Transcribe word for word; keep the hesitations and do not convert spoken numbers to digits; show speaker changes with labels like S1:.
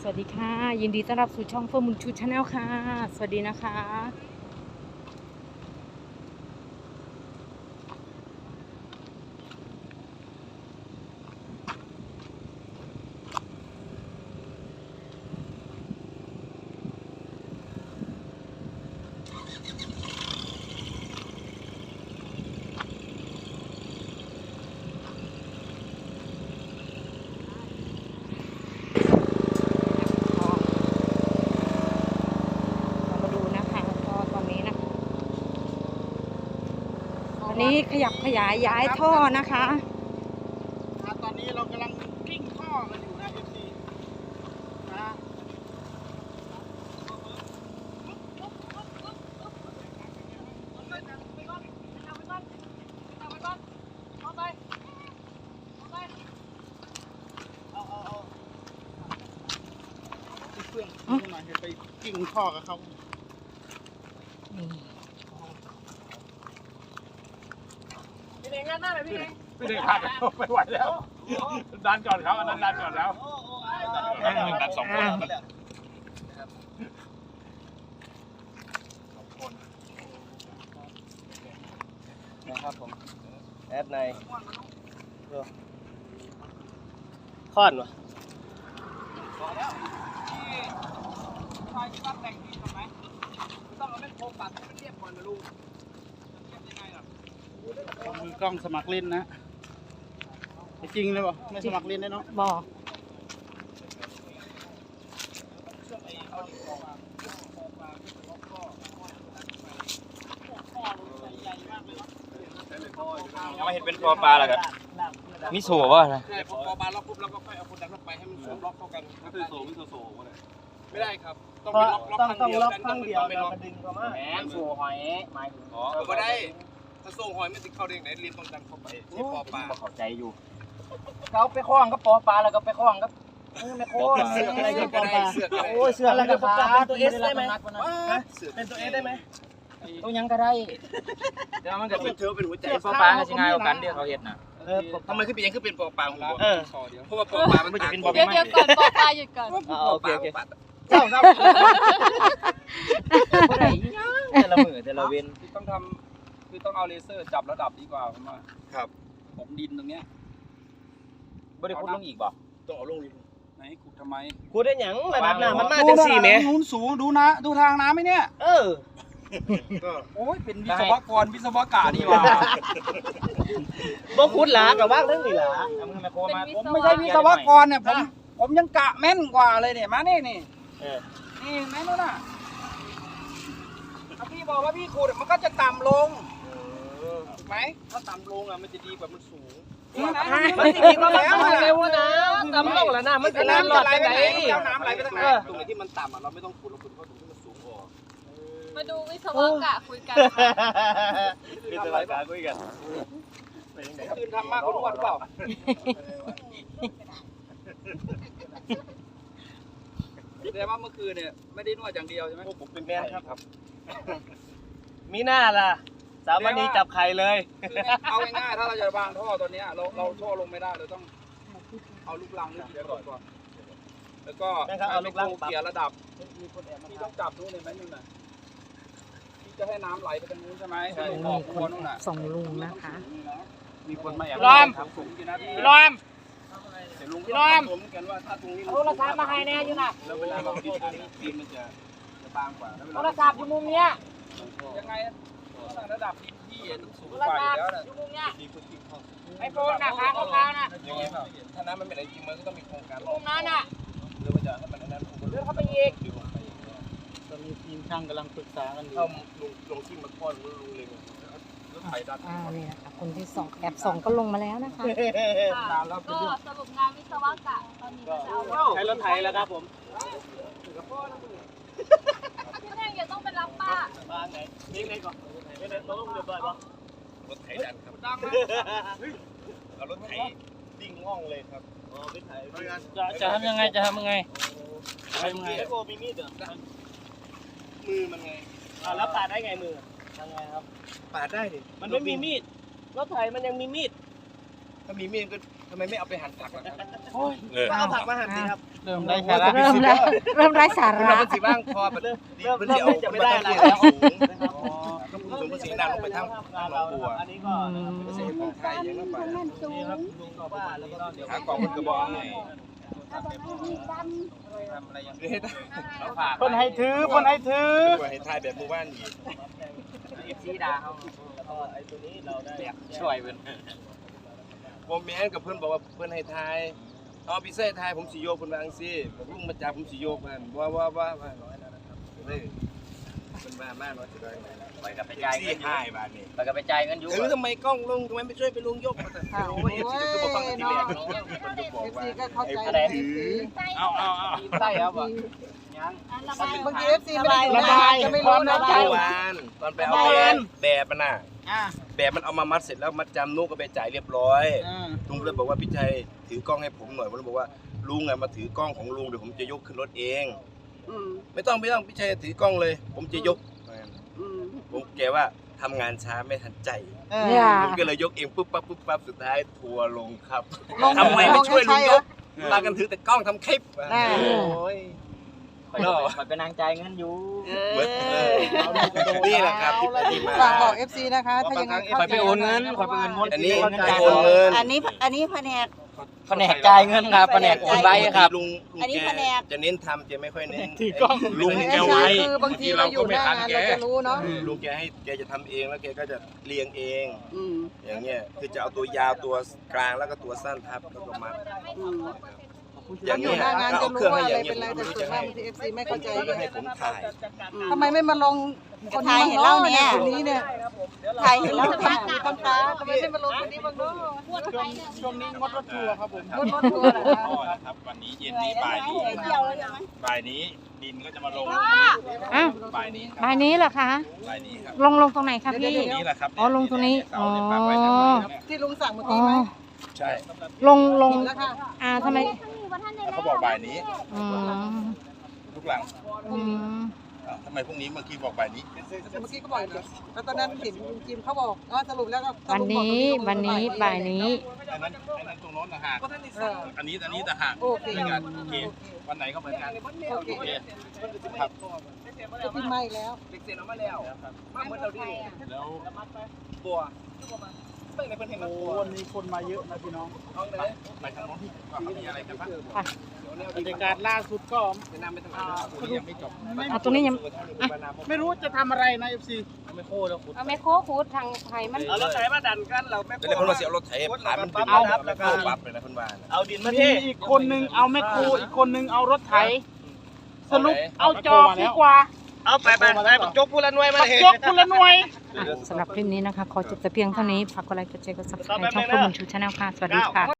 S1: สวัสดีค่ะยินดีต้อนรับสู่ช่องเฟิร์มบุญชูชาแนลค่ะสวัสดีนะคะตอนนี้ขยับขยายย้ายท่อนะคะ
S2: ตอนนี้เรากำลังกิ้งท่อกันอยู่นะ เอฟ ซี นะเพื่อนขึ้นมาไปกิ้งท่อกับเขาพี่เองงั้นหน้าเลยพี่เอง
S3: ไม่ได้ขาดแล้วไม่ไหวแล้วดันก่อนครับอันนั้นดันก่อนแล้วดันสองคน
S4: นะครับผมแอดในค่อนวะ
S2: พอแล้วที่ชายที่บ้านแต่งดีทำไหมต้องเอาแม่โคปัดให้มันเรียบก่อนนะลูกเรียบยังไงล่ะมือกล้องสมัครเล่นนะจริงเลยป่ะไม่สมัครเล่นได้เนาะ
S1: บอก
S4: ยังไม่เห็นเป็นปอปลาหรอครับมิโซะวะนะ
S2: ใช่พอปอปลาล็อกปุ๊บแล้วก็ค่อยเอาคนดันล็อกไปให้มันสวมล็อกเข้ากันไม่โซไม่โซโซ่ไม่ได้ครับต้องเป็นล็อกล็อกข้างเดียวข้างเดียวแล้วก็ดึงเข้ามาแหมโซ่หอยหมายถึงอ๋อไม่ได้ถ้าโซ่หอยไม่ติดเข้าเด้งไหนเรียนต้องดันเข้าไปที่ปอปลา
S4: เข้าใจอยู่
S2: เขาไปคล้องก็ปอปลาแล้วก็ไปคล้องก็ไม่โค้งเสือกอะไรก็ปอปลาโอ้ยเสือกแล้วก็ปลาเป็นตัวเอสได้ไหมเป็นตัวเอสได้ไหมตัวยังก็ได้
S4: เดี๋ยวมันก็
S2: เป็นเธอเป็นหัวใจ
S4: ปอปลาใช่ไงเอากันเดี๋ยวเขาเห็นนะ
S2: เออทำไมขึ้นเป็นยังขึ้นเป็นปอปลาของผมเพราะว่าปอปลามันจะเป็นปอปลา
S1: เดี๋ยวเดี๋ยวก่อนปอปลาหยุดก่อน
S4: โอเคโอเค
S2: เจ้าเจ้า
S4: ผู้ใดแต่ละมือแต่ละเว้น
S3: ต้องทำคือต้องเอาเลเซอร์จับระดับดีกว่าผมว่า
S2: ครับ
S3: ผมดินตรงเนี้ย
S4: บริคุดลงอีกบ่
S2: ต้องเอาลงดิ
S3: ไหนขุดทำไม
S4: ขุดได้หยังระดับน้ำมันมาจังสี่เมตร
S3: นู้นสูงดูนะดูทางน้ำไหมเนี่ย
S4: เออ
S3: โอ้ยเป็นวิศวกรวิศวกานี่ว่า
S4: บ่ขุดหลากับว่างเรื่องนี่หลา
S3: ผมไม่ใช่วิศวกรเนี่ยผมผมยังกะแม่นกว่าเลยเนี่ยมานี่นี่นี่แม่นนู่นน่ะพี่บอกว่าพี่ขุดมันก็จะต่ำลงถูกไหม
S2: ถ้าต่ำลงอ่ะมันจะดีกว่ามันสูง
S3: นี่นะ
S4: มันจะดีกว่าแล้วเร็วนะต่ำลงแล้วนะมันจะน้ำหลอดไปไหน
S2: เอาน้ำไหลไปทางไหนตรงไหนที่มันต่ำอ่ะเราไม่ต้องขุดเราขุดเข้าตรงที่มันสูงออก
S1: มาดูวิศวกะคุยกัน
S4: วิศวกะคุยกัน
S2: คืนทำมากคนอ้วนเปล่าแต่ว่าเมื่อคืนเนี่ยไม่ได้นวดอย่างเดียวใช่ไหม
S4: ผมเป็นแม่ครับมีหน้าล่ะสามวันนี้จับไข่เลย
S2: เอาง่ายๆถ้าเราจะวางท่อตัวนี้เราเราท่อลงไม่ได้เราต้องเอาลูกรังนี่เดี๋ยวก่อนก่อนแล้วก็
S4: เอาลูกรัง
S2: เกี่ยระดับที่ต้องจับนู้นเลยไหมนึงน่ะที่จะให้น้ำไหลไปทางนู้นใช่ไหมใช่ออกคนนู้นน่ะ
S1: ส่งลุงนะคะ
S2: มีคนมาแอบ
S4: ล้อม
S2: ล้อมล้อมผมกันว่าถ้าตรงนี้โทรศัพท์มาให้แน่อยู่น่ะแล้วเวลาเราดินดินมันจะจะบางกว่า
S4: โทรศัพท์อยู่มุมเนี้ย
S2: ยังไงระดับที่สูงกว่าแล้วนะ
S4: ไอโฟนนะค้างเขาค้างนะ
S2: ถ้าน้ำมันไม่ไหลจริงมันก็ต้องมีโครงการ
S4: ตรงนั้นน่ะ
S2: หรือว่าจะให้มันนั้น
S4: เลื่อนเข้าไปอีก
S2: ตอนนี้ทีมช่างกำลังปรึกษากันอยู่ลงลงที่มาก้อนรู้เลยรถไถดัน
S1: อ่านี่นะคะคนที่สองแอบสองก็ลงมาแล้วนะคะ
S5: ก็สรุปงานวิศวกะตอนนี้ก็จะเอา
S4: ใช้รถไถแล้วครับผม
S5: พี่แม่อย่าต้องไปรับป้า
S4: บ้านไหนนี่ไหนก่อนนี่ไหนต้องเดือดร้อนปะ
S2: รถไถดันครับดังเอารถไถดิ่งง่องเลยครับอ๋อรถไถ
S4: จะจะทำยังไงจะทำยังไง
S2: ทำยังไงไอ้โบมีมีดเหรอมือมันไง
S4: อ่าแล้วปาดได้ไงมือทำไงครับ
S2: ปาดได้ดิ
S4: มันไม่มีมีดรถไถมันยังมีมีด
S2: ถ้ามีมีดก็ทำไมไม่เอาไปหั่นผักล่ะครับ
S4: ก็เอาผักมาหั่นสิครับ
S2: เริ่มได้สาระ
S1: เริ่มแล้วเริ่มไร้สา
S4: เรา
S1: ระ
S4: เป็นสีบ้างพอเริ่มเริ่มเริ่มจะไม่ได้อะไร
S3: แล้
S4: แล้ว ว
S3: สูงต้องพูดถึงภาษีดังลงไปทั้งหนองบัว
S4: อันนี้ก็
S3: ภาษีของไทยยังต้องไป
S4: นี่ครับลุงบอกว่าแล้วก็เดี๋ยว
S3: หากองมันกระบอกไง
S4: ทำอะไรอย่างนี้
S2: เพิ่นให้ถือเพิ่นให้ถือ
S3: ว่าให้ทายแบบหมู่บ้านอีก
S4: เอฟซีดาเขาก็ไอ้ตัวนี้เราได้ช่วยเป็น
S3: ผมแม่นกับเพื่อนบอกว่าเพื่อนให้ทายเอาพิเศษทายผมสิโยกคนบางสิผมลุงมาจับผมสิโยกมันว่าว่าว่าว่าน้อยแล้วนะครับเลยเป็นบ้ามากน้อยจะได้
S4: ไปกับไปจ่าย
S3: สี่
S4: เงิน
S3: ห้าบาทนี่
S4: ไปกับไปจ่ายเงินอยู่
S3: ถือทำไมกล้องลุงทำไมไม่ช่วยไปลุงยกโอ้ยเอฟซีก็คือบอกฟังทีแรกมันจะบอกว่าไอ้ถือ
S2: เอาเอาเอา
S4: ใช่ครับผม
S5: บางทีเอฟซีไม่ได้
S2: ระบาย
S5: จะไม่รู้
S2: ความใน
S5: นะ
S2: ใจ
S3: เมื่อวานตอนไปเอาแบบแบบมันน่ะ
S2: อ่า
S3: แบบมันเอามามัดเสร็จแล้วมัดจำนุกก็ไปจ่ายเรียบร้อย
S2: อ่า
S3: ลุงเลยบอกว่าพี่ชัยถือกล้องให้ผมหน่อยผมเลยบอกว่าลุงอะมาถือกล้องของลุงเดี๋ยวผมจะยกขึ้นรถเอง
S5: อืม
S3: ไม่ต้องไม่ต้องพี่ชัยถือกล้องเลย ผมจะยก
S5: อืม
S3: ผมแกว่าทำงานช้าไม่ทันใจ
S1: เนี่ย
S3: ผมก็เลยยกเองปุ๊บปั๊บปุ๊บปั๊บสุดท้ายทัวร์ลงครับ
S5: ลง
S3: ทำไมไม่ช่วยลุงยก
S2: เออ
S3: ตากันถือแต่กล้องทำคลิป
S5: อ่า
S3: โอ้ย
S4: ไปไปนางจ่ายเงินอยู่
S3: เหมือนเออนี่แหละครับที่ไปที่มา
S5: ฝากบอกเอฟซีนะคะ ถ้ายังไง
S2: คอยไปโอนเงินคอยไปโอนเงิน
S3: อันนี้ไปโอนเงิน
S5: อันนี้อันนี้แผนก
S4: แผนกจ่ายเงินครับแผนกโอนไว้ครับ
S3: ลุงลุง
S5: อันนี้
S3: แก
S5: แผนก
S3: จะเน้นทำจะไม่ค่อยเน้น
S2: ถือกล้อง
S3: ลุง
S2: ไม่
S3: แก
S2: ได้
S3: ไว้
S5: คือบางทีเราอยู่หน้างานเราจะรู้เนาะ
S3: ลุงแกให้แกจะทำเองแล้วแกก็จะเรียงเอง
S5: อืม
S3: อย่างเงี้ยคือจะเอาตัวยาวตัวกลางแล้วก็ตัวสั้นทับแล้วก็มัด
S5: อืม
S3: อย่าง
S5: อยู่
S3: เงี้ย
S5: หน้างาน
S3: ก็
S5: จะ
S3: เอาเค
S5: รู้
S3: รื่องให้
S5: ว่า
S3: อ
S5: อะไร
S3: ย่างเงี้
S5: เป็นอะไร
S3: ยผม
S5: แต่
S3: รู้
S5: ส่ว
S3: จะ
S5: นมา
S3: ให้
S5: กบางทีเอฟซีไม่เข้าใจ
S3: แล้วก็ให้ผมถ่าย
S5: ทำไมไม่มาลงทายเห็นเล่าเนี่ยคนนี้เนี่ยทายเห็นเล่าค่ะคนตาทำไมไม่มาลงคนนี้บ้างเนาะ
S2: ช่วงนี้งดรถทัวร์ครับผม
S5: รถรถทัวร์เหรอคะ
S6: ครับวันนี้เย็นนี้บ่ายนี้
S5: เที่ยวแล้วใช่ไหม
S6: บ่ายนี้ดินก็จะมาลง
S1: อ้าว
S6: บ่ายนี้ครับ
S1: บ่ายนี้เหรอคะ
S6: บ่ายนี้ครับ
S1: ลงลงตรงไหนคะพี่
S6: นี่แหละครับ
S1: อ๋อลงตรงนี้
S6: เสาเนี่ยปักไว้เนี่ย
S1: อ๋อ
S5: ที่ลุงสั่งเมื่อ
S1: อ๋อ
S5: กี้ไหม
S6: ใช่
S1: ลงลง
S5: แล้วค่ะ
S1: อ่าทำไม
S6: เขาบอกบ่ายนี้
S1: อืม
S6: ลูกหลัง
S1: อืม
S6: อ้าวทำไมพรุ่งนี้เมื่อกี้บอกบ่ายนี้
S5: แต่เมื่อกี้ก็บอกนะแล้วตอนนั้นเห็นลุงจิมเขาบอกอ๋อสรุปแล้วก็
S1: วันนี้วันนี้บ่ายนี้
S6: อันนั้นอันนั้นตรงโน้นต่างหาก
S5: เออ
S6: อันนี้อันนี้ต่างหาก
S5: โอเค
S6: เหมือนกันโอเควันไหนก็เหมือนกัน
S5: โอเค
S6: โอเคครับ
S5: จะพิมพ์มาอีกแล้ว
S3: เด็กเซ็นออกมาแล้วมาเหมือนเราดิ
S6: แล้ว
S3: บัวเพิ่งในเพิ่นเห็นมัน
S2: โอ้
S3: บัว
S2: วันนี้คนมาเยอะนะพี่น้อง
S3: เอาเลย
S6: ไปทางโน้นที่ว่าเขามีอะไรกันบ้าง
S2: บรรยากาศล่าสุดก็
S3: แนะนำไปทางไหน
S6: คุณยังไม่จบ
S1: อ่ะตรงนี้ยัง
S2: ไม่รู้จะทำอะไรนะเอฟซี
S4: ไม่โค้แล้วคุณ
S1: เอาไมโครคูดทางไทยมัน
S4: เอารถไถมาดันกันเราไม่
S3: เดี๋ยวเพิ่นมาเสียรถไถผ่านมันเป็น
S4: เอา
S3: ปั๊บแล้วก็ปั๊บเลยนะเพิ่นว่า
S4: เอาดินมา
S2: มี
S4: เท
S2: อีกคนนึงเอาแมคโครอีกคนนึงเอารถไถสรุปเอาจอบดีกว่า
S4: เอาไปไปไปจกพูละหน่วยมา
S2: ปัก
S4: เถ
S2: ยกคนละหน่วย
S1: สำหรับคลิปนี้นะคะ ขอจบแต่เพียงเท่านี้ ฝากกดไลค์กดแชร์กดซับสไครต์ช่องข้อมูลชูชาแนลค่ะ สวัสดีค่ะ